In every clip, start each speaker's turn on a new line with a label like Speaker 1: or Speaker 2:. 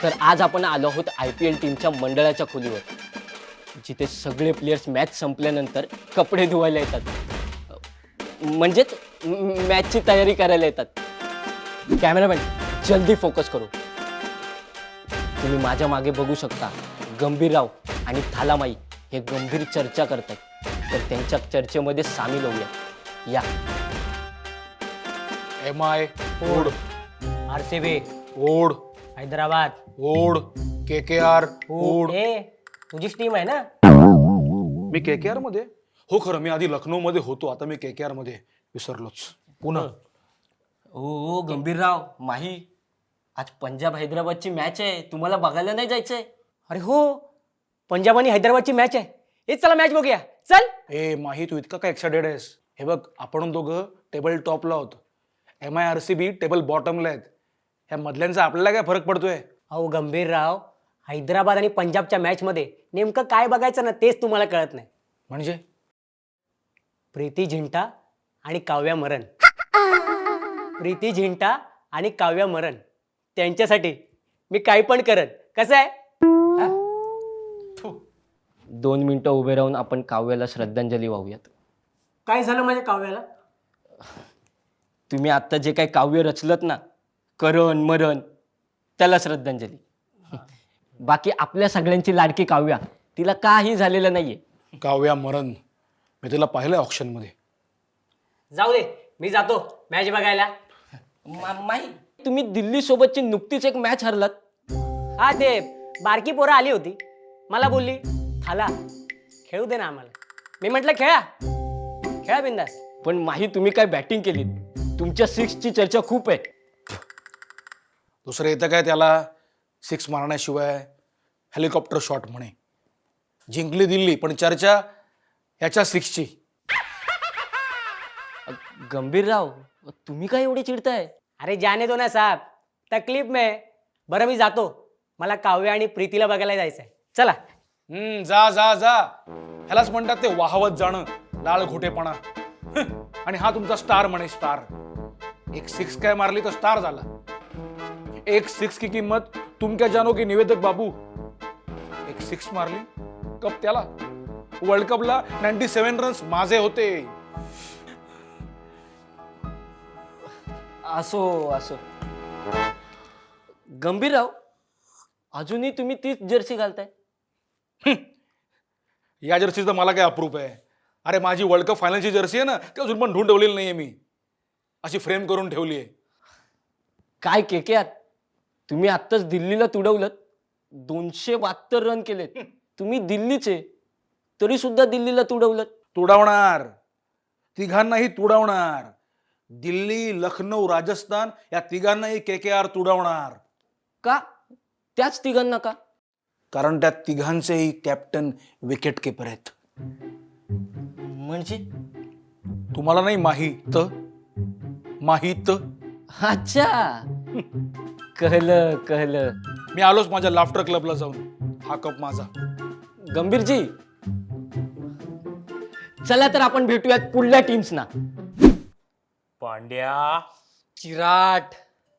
Speaker 1: तर आज आपण आलो आहोत IPL टीमच्या मंडळाच्या खोलीवर, जिथे सगळे प्लेयर्स मॅच संपल्यानंतर कपडे धुवायला येतात, म्हणजेच मॅचची तयारी करायला येतात. कॅमेरामॅन जल्दी फोकस करू. तुम्ही माझ्या मागे बघू शकता, गंभीरराव आणि थालामाई हे गंभीर चर्चा करतात. तर त्यांच्या चर्चेमध्ये सामील होऊया. या.
Speaker 2: MI ओढ,
Speaker 3: RCB
Speaker 2: ओढ,
Speaker 3: हैदराबाद
Speaker 2: ओढ, KKR ओढ.
Speaker 3: ए तुझीच टीम आहे ना?
Speaker 2: मी KKR मध्ये हो. खरं मी आधी लखनौ मध्ये होतो, आता मी KKR मध्ये विसरलोच. पुन्हा
Speaker 1: ओ गंभीरराव, माही, आज पंजाब हैदराबादची मॅच आहे, तुम्हाला बघायला नाही जायचंय?
Speaker 3: अरे हो, पंजाब आणि हैदराबादची मॅच आहे. हे चला मॅच बघूया. चल.
Speaker 2: ए माही, तू इतका काय एक्साइटेड आहेस? हे बघ, आपण दोघं टेबल टॉपला आहोत, MI RCB टेबल बॉटमला आहेत. ह्या मधल्यांचा आपल्याला काय फरक पडतोय?
Speaker 3: अहो गंभीरराव, हैदराबाद आणि पंजाबच्या मॅच मध्ये नेमकं काय बघायचं ना तेच तुम्हाला कळत नाही.
Speaker 2: म्हणजे
Speaker 3: प्रीती झिंटा आणि काव्या मरण. प्रीती झिंटा आणि काव्या मरण त्यांच्यासाठी मी काही पण करत. कसं आहे?
Speaker 1: 2 मिनिटं उभे राहून आपण काव्याला श्रद्धांजली वाहूयात.
Speaker 3: काय झालं माझ्या काव्याला?
Speaker 1: तुम्ही आत्ता जे काही काव्य रचलत ना, करण मरण, त्याला श्रद्धांजली. बाकी आपल्या सगळ्यांची लाडकी काव्या, तिला काही झालेलं नाहीये.
Speaker 2: काव्या मरण, मी तिला पाहिलंय ऑप्शन मध्ये.
Speaker 3: जाऊ दे, मी जातो मॅच बघायला.
Speaker 1: माही, तुम्ही दिल्ली सोबतची नुकतीच एक मॅच हरलात.
Speaker 3: हा, ते बारकी पोरं आली होती, मला बोलली थाला खेळू दे ना आम्हाला. मी म्हटलं खेळा खेळा बिंदास.
Speaker 1: पण माही, तुम्ही काय बॅटिंग केली? तुमच्या 6ची चर्चा खूप आहे.
Speaker 2: दुसरं येतं काय त्याला? 6 मारण्याशिवाय हेलिकॉप्टर शॉट म्हणे. जिंकली दिल्ली, पण चर्चा याच्या 6ची.
Speaker 1: गंभीरराव, तुम्ही काय एवढे चिडताय?
Speaker 3: अरे जाने दो ना साहब, तकलीफ में. बरं मी जातो, मला काव्य आणि प्रीतीला बघायला जायचंय. चला.
Speaker 2: जा जा जा. ह्यालाच म्हणतात ते वाहवत जाणं, लाळ घोटेपणा. आणि हा तुमचा स्टार म्हणे, स्टार. एक 6 काय मारली तर स्टार झाला. एक 6 की किंमत तुम क्या जानो की निवेदक बाबू. एक 6 मारली कप त्याला. वर्ल्ड कपला 97 रन्स माझे होते.
Speaker 1: असो असो. गंभीरराव, अजूनही तुम्ही तीच जर्सी घालताय?
Speaker 2: या जर्सीचं मला काय अप्रूप आहे? अरे माझी वर्ल्ड कप फायनलची जर्सी आहे ना, ती अजून पण ढूंढ ठेवलेली नाहीये मी. अशी फ्रेम करून ठेवली आहे.
Speaker 1: काय केकेआर, तुम्ही आत्ताच दिल्लीला तुडवलं. 272 रन केलेत. तुम्ही दिल्लीचे, तरी सुद्धा दिल्लीला तुडवलं.
Speaker 2: तुडवणार, तिघांनाही तुडवणार. दिल्ली, लखनौ, राजस्थान या तिघांनाही KKR तुडवणार.
Speaker 1: का? त्याच तिघांना का?
Speaker 2: कारण त्या तिघांचेही कॅप्टन विकेट किपर आहेत.
Speaker 1: म्हणजे?
Speaker 2: तुम्हाला नाही माहीत? माहीत?
Speaker 1: अच्छा, कहलं कहलं.
Speaker 2: मी आलोच माझ्या लाफ्टर क्लबला जाऊन. हा कप माझा.
Speaker 1: गंभीरजी, चला तर आपण भेटूयात पुढल्या टीम्सना.
Speaker 3: पांड्या, चिराट,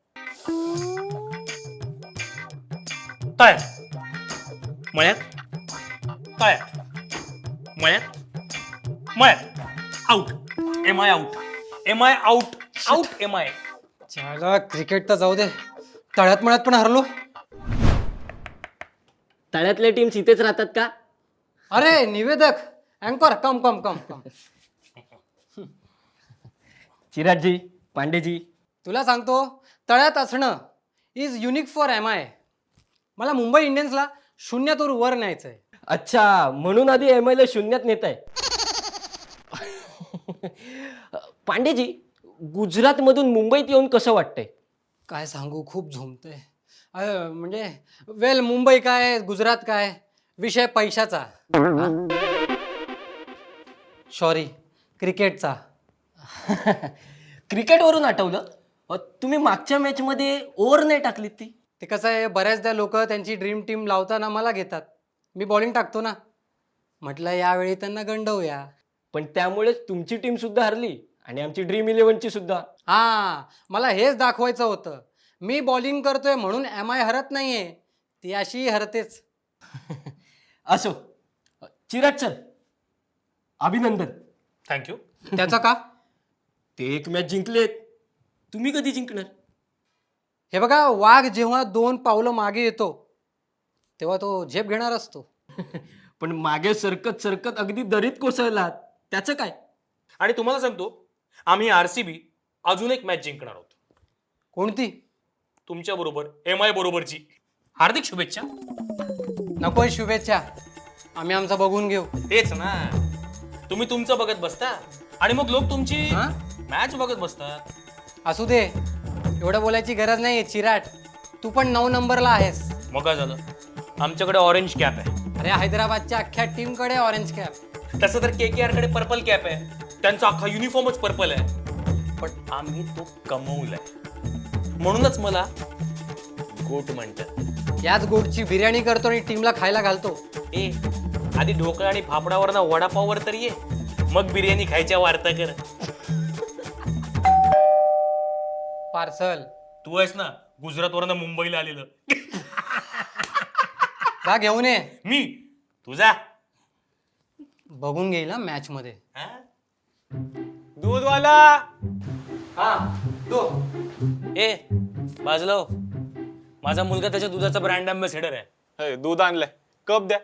Speaker 4: काय मळ्यात, काय मळ्यात, मळ्यात out. MI out, MI out, out MI.
Speaker 5: चला क्रिकेट तर जाऊ दे, तळ्यात मळ्यात पण हरलो.
Speaker 1: तळ्यातल्या टीम्स इथेच राहतात का?
Speaker 5: अरे निवेदक, अँकर, कम कम कम कम.
Speaker 1: चिराटजी, पांडेजी,
Speaker 5: तुला सांगतो, तळ्यात असणं इज युनिक फॉर MI. मला मुंबई इंडियन्सला 0 वर न्यायचंय.
Speaker 1: अच्छा, म्हणून आधी MI ला 0 नेत आहे. पांडेजी, गुजरात मधून मुंबईत येऊन कसं वाटतंय?
Speaker 5: काय सांगू, खूप झोमतंय. म्हणजे वेल, मुंबई काय गुजरात काय, विषय पैशाचा. सॉरी, क्रिकेटचा.
Speaker 1: क्रिकेटवरून आठवलं, तुम्ही मागच्या मॅच मध्ये ओव्हर नाही टाकलीत ती?
Speaker 5: ते कसं आहे, बऱ्याचदा लोक त्यांची ड्रीम टीम लावताना मला घेतात. मी बॉलिंग टाकतो ना. म्हटलं यावेळी त्यांना गंडवूया.
Speaker 1: पण त्यामुळेच तुमची टीम सुद्धा हरली आणि आमची ड्रीम 11ची सुद्धा.
Speaker 5: हा, मला हेच दाखवायचं होतं. मी बॉलिंग करतोय म्हणून MI हरत नाहीये. ती अशी हरतेच.
Speaker 1: असो, चिराग सर अभिनंदन.
Speaker 4: थँक्यू.
Speaker 5: त्याचं का?
Speaker 1: ते एक मॅच जिंकलेत, तुम्ही कधी जिंकणार?
Speaker 5: हे बघा, वाघ जेव्हा 2 पावलं मागे येतो तेव्हा तो झेप घेणार असतो.
Speaker 1: पण मागे सरकत सरकत अगदी दरीत कोसळलात, त्याचं काय?
Speaker 4: आणि तुम्हाला सांगतो, आम्ही RCB अजून एक मॅच जिंकणार आहोत
Speaker 5: कोणती?
Speaker 4: तुमच्या बरोबर, MI बरोबरची. हार्दिक शुभेच्छा.
Speaker 5: नकोय शुभेच्छा, आम्ही आमचं बघून घेऊ.
Speaker 4: तेच ना, तुम्ही तुमचं बघत बसता आणि मग लोक तुमची
Speaker 5: हा?
Speaker 4: मॅच बघत बसतात.
Speaker 5: असू दे, एवढं बोलायची गरज नाही. चिराट, तू पण 9 नंबरला आहेस.
Speaker 4: मग काय झालं, आमच्याकडे ऑरेंज कॅप आहे.
Speaker 5: अरे हैदराबादच्या अख्ख्या टीमकडे ऑरेंज कॅप.
Speaker 4: तसं तर KKR कडे पर्पल कॅप आहे, त्यांचा अख्खा युनिफॉर्मच पर्पल आहे. पण आम्ही तो कमवलाय, म्हणूनच मला गोट म्हणतात.
Speaker 5: याच गोडची बिर्याणी करतो आणि टीमला खायला घालतो.
Speaker 4: ए, आधी ढोकळा आणि फाफडावर वडापाववर तर ये, मग बिर्याणी खायच्या वार्ता कर.
Speaker 5: पार्सल
Speaker 4: तू आहेस ना गुजरातवरनं मुंबईला आलेलं.
Speaker 5: जा घेऊन ये.
Speaker 4: मी तुझा
Speaker 5: बघून घेईल ना मॅच मध्ये.
Speaker 4: दूधवाला.
Speaker 5: हा तो
Speaker 4: ए बाजूला हो. माझा मुलगा त्याच्या दुधाचा ब्रँड अँबॅसेडर आहे.
Speaker 6: हे, दूध आणलंय, कप द्या.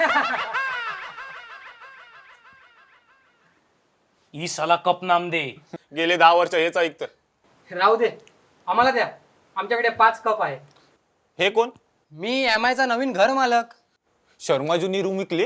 Speaker 4: ई साला कप नाम दे.
Speaker 6: गेले 10 वर्ष हेच ऐकतं.
Speaker 5: राहू दे, आम्हाला द्या. आमच्याकडे 5 कप आहे.
Speaker 6: हे कोण?
Speaker 5: मी MI चा नवीन घर मालक.
Speaker 6: शर्माजूनी रूम विकली.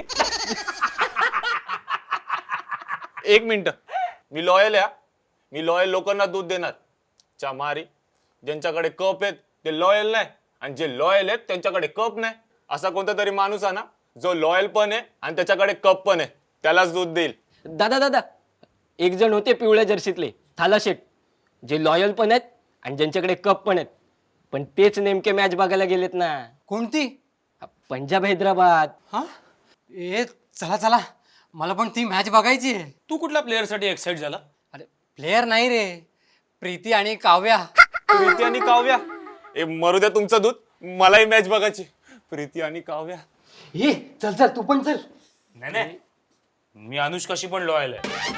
Speaker 6: एक मिनिट, मी लॉयल आहे. मी लॉयल लोकांना दूध देणार. चामारी, ज्यांच्याकडे कप आहेत ते लॉयल नाही, आणि जे लॉयल आहेत त्यांच्याकडे कप नाही. असा कोणता तरी माणूस आहे ना जो लॉयल पण आहे आणि त्याच्याकडे कप पण आहे, त्यालाच दूध देईल.
Speaker 1: दादा, एक जण होते पिवळ्या जर्सीतले थाला शेट, जे लॉयल पण आहेत आणि ज्यांच्याकडे कप पण आहेत, पण तेच नेमके मॅच बघायला गेलेत ना.
Speaker 5: कोणती?
Speaker 1: पंजाब हैदराबाद.
Speaker 5: हा ए चला चला, मला पण ती मॅच बघायची आहे.
Speaker 4: तू कुठल्या प्लेअरसाठी एक्साइट झाला?
Speaker 5: अरे प्लेयर नाही रे, प्रीती आणि काव्या.
Speaker 6: प्रीती आणि काव्या, ए मरू द्या तुमचं दूध, मलाही मॅच बघायची. प्रीती आणि काव्या.
Speaker 5: हे चल चल, तू पण चल.
Speaker 4: नाही, मी अनुष्काशी पण लॉयल आहे.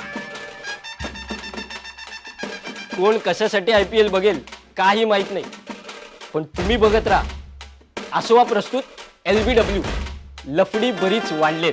Speaker 1: कोण कशासाठी IPL बघेल काही माहित नाही, पण तुम्ही बघत राहा. आसोवा प्रस्तुत LBW, लफडी बरीच वाढलेत.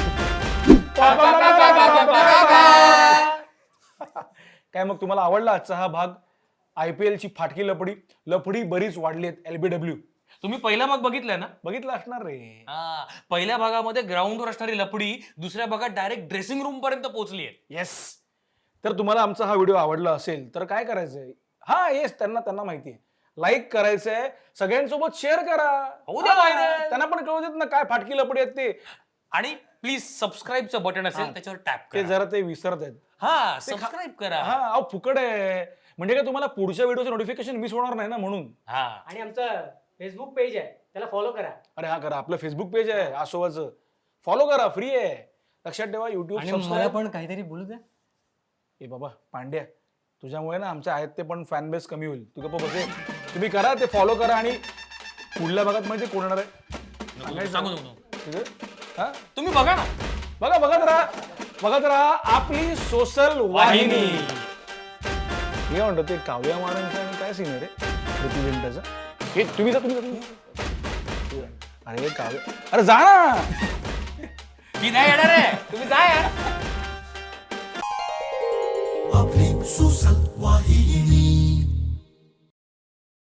Speaker 2: काय मग तुम्हाला आवडला आजचा हा भाग? IPL ची फाटकी लफडी बरीच वाढली. LBW
Speaker 4: तुम्ही पहिला भाग बघितलाय ना?
Speaker 2: बघितलं असणार रे.
Speaker 4: हा, पहिल्या भागामध्ये ग्राउंडवर असणारी लपडी दुसऱ्या भागात डायरेक्ट ड्रेसिंग रूम पर्यंत पोहोचली आहे.
Speaker 2: येस. तर तुम्हाला आमचा हा व्हिडिओ आवडला असेल तर काय करायचंय? हा येस, त्यांना माहिती आहे. लाईक करायचंय, सगळ्यांसोबत शेअर करा.
Speaker 4: होऊ द्या
Speaker 2: हा,
Speaker 4: viral.
Speaker 2: त्यांना पण कळू देत ना काय फाटकी लपडी आहेत ते.
Speaker 4: आणि प्लीज सबस्क्राईबचं बटन असेल त्याच्यावर टॅप
Speaker 2: ते
Speaker 4: करा.
Speaker 2: जरा ते विसरत आहेत.
Speaker 4: हा, सबस्क्राईब करा.
Speaker 2: हा अहो फुकट आहे, म्हणजे काय तुम्हाला पुढच्या व्हिडिओचं नोटिफिकेशन मिस होणार नाही ना म्हणून.
Speaker 4: हा,
Speaker 3: आणि आमचं फेसबुक पेज आहे, त्याला फॉलो करा.
Speaker 2: अरे हा करा, आपलं फेसबुक पेज आहे आसोवाचं, फॉलो करा, फ्री आहे. लक्षात ठेवा, युट्यूब
Speaker 5: आणि मला
Speaker 2: सबस्क्राईब.
Speaker 5: पण काहीतरी बोलू द्या.
Speaker 2: ए बाबा पांड्या, तुझ्यामुळे ना आमच्या आहेत ते पण फॅन बेस कमी होईल. तू गप्प बसे. तुम्ही करा, ते फॉलो करा. आणि पुढल्या भागात माहिती कोण येणार आहे?
Speaker 4: सांगू नको.
Speaker 2: ठीक आहे? हा
Speaker 4: तुम्ही बघा ना.
Speaker 2: बघत राहा आपली सोशल वाहिनी. मी म्हणतो ते काव्या मारांचं आणि काय सीन आहे रे प्रीती जिंटाचा? हे तुम्ही जा. अरे काव्या, अरे जा ना.
Speaker 4: मी नाही येणार आहे, तुम्ही जा यार.
Speaker 7: आपली सोशल वाहिनी.